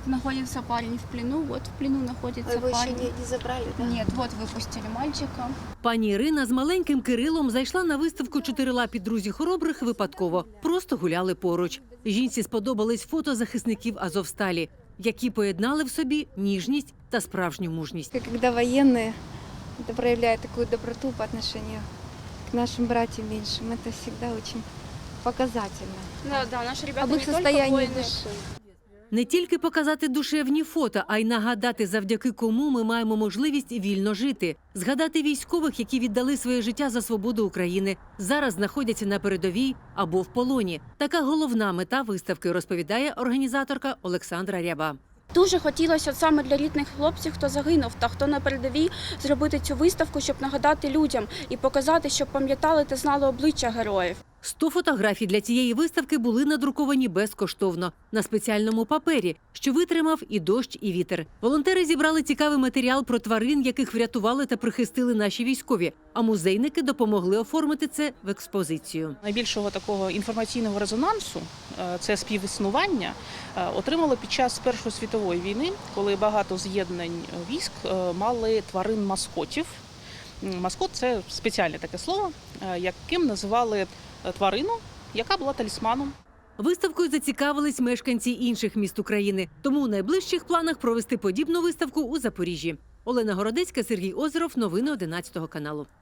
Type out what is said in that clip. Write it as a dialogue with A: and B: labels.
A: находится парень в плену, вот в плену находится
B: Его еще
A: парень.
B: не забрали, да?
A: Нет, вот выпустили мальчика.
C: Пані Ірина з маленьким Кирилом зайшла на виставку «Чотирилапі друзі хоробрих» випадково. Просто гуляли поруч. Жінці сподобались фото захисників Азовсталі, які поєднали в собі ніжність та справжню мужність.
B: Когда военные это проявляют такую доброту по отношению к нашим братьям меньшим, это всегда очень показательно.
A: Да, наши ребята
B: Об их
A: не только
B: состоянии
A: воины.
B: души.
C: Не тільки показати душевні фото, а й нагадати, завдяки кому ми маємо можливість вільно жити. Згадати військових, які віддали своє життя за свободу України, зараз знаходяться на передовій або в полоні. Така головна мета виставки, розповідає організаторка Олександра Ряба.
A: Дуже хотілося от саме для рідних хлопців, хто загинув та хто на передовій, зробити цю виставку, щоб нагадати людям і показати, щоб пам'ятали та знали обличчя героїв.
C: 100 фотографій для цієї виставки були надруковані безкоштовно на спеціальному папері, що витримав і дощ, і вітер. Волонтери зібрали цікавий матеріал про тварин, яких врятували та прихистили наші військові, а музейники допомогли оформити це в експозицію.
D: Найбільшого такого інформаційного резонансу, це співіснування, отримали під час Першої світової війни, коли багато з'єднань військ мали тварин-маскотів. Маскот – це спеціальне таке слово, яким називали тварину, яка була талісманом.
C: Виставкою зацікавились мешканці інших міст України. Тому у найближчих планах провести подібну виставку у Запоріжжі. Олена Городецька, Сергій Озеров. Новини 11 каналу.